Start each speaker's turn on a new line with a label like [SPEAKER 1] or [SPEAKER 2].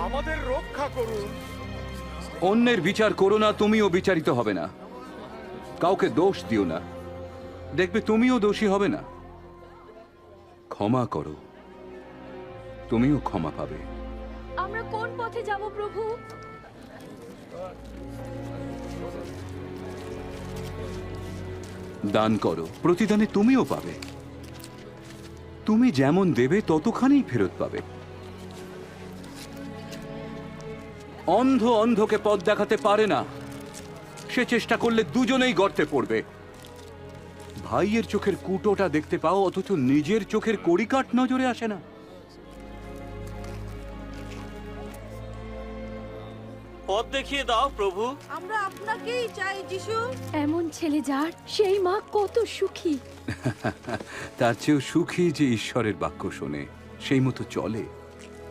[SPEAKER 1] আমাদের রক্ষা করুন।
[SPEAKER 2] অন্যের বিচার করো না, তুমিও বিচারিত হবে না। কাউকে দোষ দিও না, দেখবে তুমিও দোষী হবে না। ক্ষমা করো, তুমিও ক্ষমা পাবে।
[SPEAKER 3] আমরা কোন পথে যাব প্রভু?
[SPEAKER 2] দান করো, প্রতিদানে তুমিও পাবে। তুমি যেমন দেবে ততখানি ফেরত পাবে। অন্ধ অন্ধকে পথ দেখাতে পারে না, সে চেষ্টা করলে দুজনেই গর্তে পড়বে। ভাইয়ের চোখের কুটোটা দেখতে পাও, অথচ নিজের চোখের কড়িকাঠ নজরে আসে না।
[SPEAKER 4] পথ দেখিয়ে দাও প্রভু।
[SPEAKER 5] আমরা আপনাকেই চাই যিশু।
[SPEAKER 3] এমন ছেলে যার, সেই মা কত সুখী।
[SPEAKER 2] তার চেয়েও সুখী যে ঈশ্বরের বাক্য শোনে, সেই মতো চলে।